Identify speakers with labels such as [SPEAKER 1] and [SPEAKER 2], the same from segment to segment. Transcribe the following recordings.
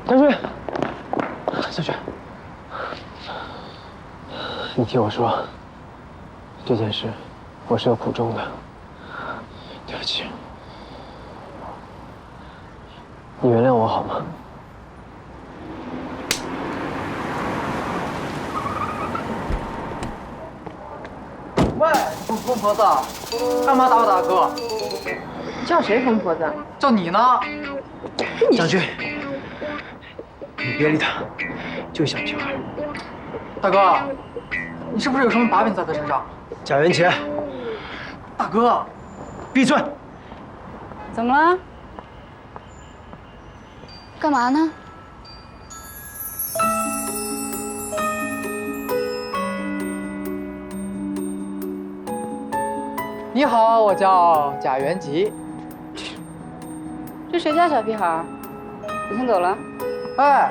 [SPEAKER 1] 将军，将军，你听我说，这件事我是有苦衷的，对不起，你原谅我好吗？
[SPEAKER 2] 喂，疯婆子，干嘛打我大哥？
[SPEAKER 3] 叫谁疯婆子？
[SPEAKER 2] 叫你呢。
[SPEAKER 1] 将军，你别理他，就小屁孩。
[SPEAKER 2] 大哥，你是不是有什么把柄在他身上？
[SPEAKER 1] 贾元杰，
[SPEAKER 2] 大哥，
[SPEAKER 1] 闭嘴！
[SPEAKER 3] 怎么了？干嘛呢？
[SPEAKER 2] 你好，我叫贾元吉。
[SPEAKER 3] 这谁家小屁孩？你先走了。
[SPEAKER 2] 哎，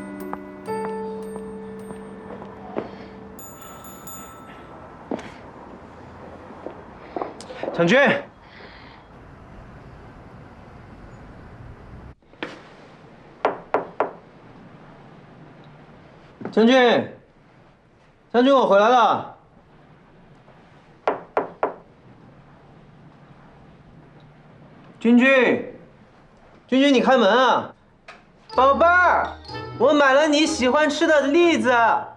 [SPEAKER 1] 将军，将军，将军，我回来了。君君，君君，你开门啊！宝贝儿，我买了你喜欢吃的栗子。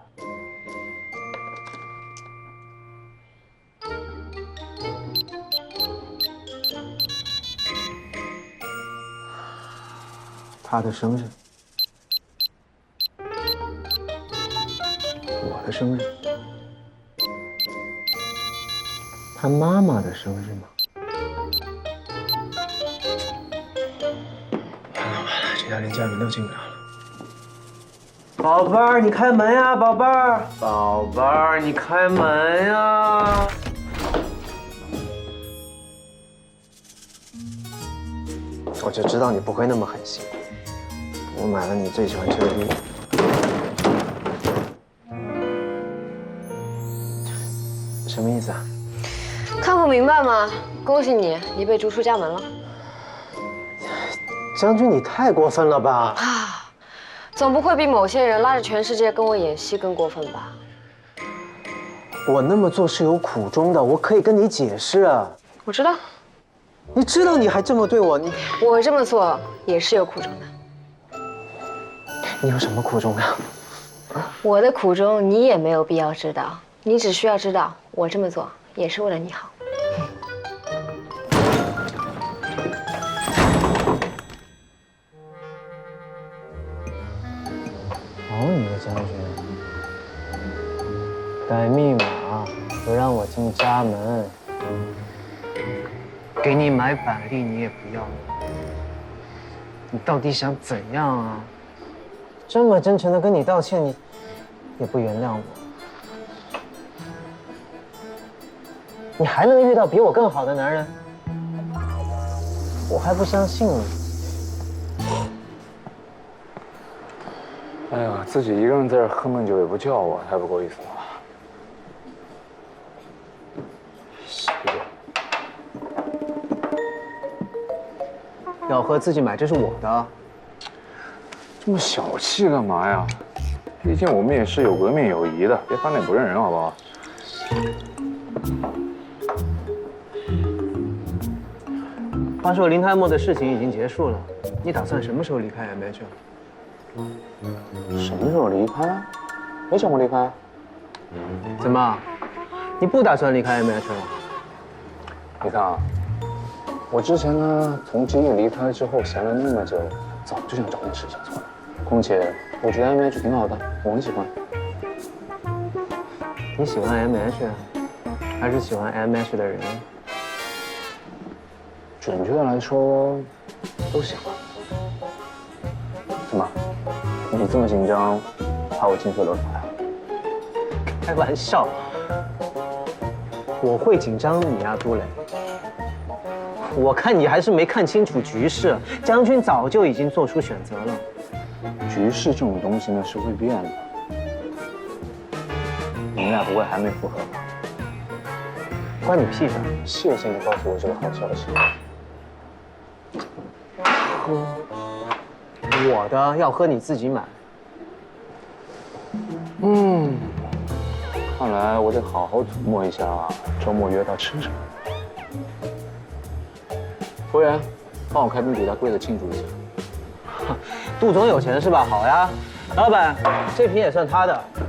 [SPEAKER 1] 他的生日，我的生日，他妈妈的生日吗？完了完了，这家连家人都进不了了。宝贝儿，你开门呀，宝贝儿，宝贝儿，你开门呀！我就知道你不会那么狠心。我买了你最喜欢吃的栗子。什么意思啊？
[SPEAKER 4] 看不明白吗？恭喜你，你被逐出家门了。
[SPEAKER 1] 将军，你太过分了吧！
[SPEAKER 4] 啊，总不会比某些人拉着全世界跟我演戏更过分吧？
[SPEAKER 1] 我那么做是有苦衷的，我可以跟你解释啊。
[SPEAKER 4] 我知道，
[SPEAKER 1] 你知道你还这么对我，
[SPEAKER 4] 我这么做也是有苦衷的。
[SPEAKER 1] 你有什么苦衷呀？
[SPEAKER 4] 我的苦衷你也没有必要知道，你只需要知道我这么做也是为了你好。
[SPEAKER 1] 好你个将军，改密码不让我进家门，给你买板栗你也不要，你到底想怎样啊？这么真诚的跟你道歉，你也不原谅我，你还能遇到比我更好的男人？我还不相信你。
[SPEAKER 5] 哎呀，自己一个人在这喝闷酒也不叫我，太不够意思了。谢谢。
[SPEAKER 1] 要喝自己买，这是我的。
[SPEAKER 5] 这么小气干嘛呀？毕竟我们也是有革命友谊的，别翻脸不认人，好不好？
[SPEAKER 1] 话说林泰墨的事情已经结束了，你打算什么时候离开 MH 了？
[SPEAKER 5] 什么时候离开？没想过离开。
[SPEAKER 1] 怎么，你不打算离开 MH 了？
[SPEAKER 5] 你看啊，我之前呢，从机遇离开之后闲了那么久，早就想找点事情做了。况且我觉得 MH 挺好的，我很喜欢。
[SPEAKER 1] 你喜欢 MH， 还是喜欢 MH 的人？
[SPEAKER 5] 准确的来说，都喜欢。怎么？你这么紧张，怕我近水楼台啊？
[SPEAKER 1] 开玩笑，我会紧张你啊，杜磊。我看你还是没看清楚局势，将军早就已经做出选择了。
[SPEAKER 5] 局势这种东西呢是会变的，你们俩不会还没复合吧？
[SPEAKER 1] 关你屁事！
[SPEAKER 5] 谢谢你告诉我这个好消息。喝。
[SPEAKER 1] 我的要喝你自己买。
[SPEAKER 5] 看来我得好好琢磨一下，周末约他吃什么。服务员，帮我开瓶比达贵的庆祝一下。
[SPEAKER 1] 杜总有钱是吧？好呀，老板，这瓶也算他的。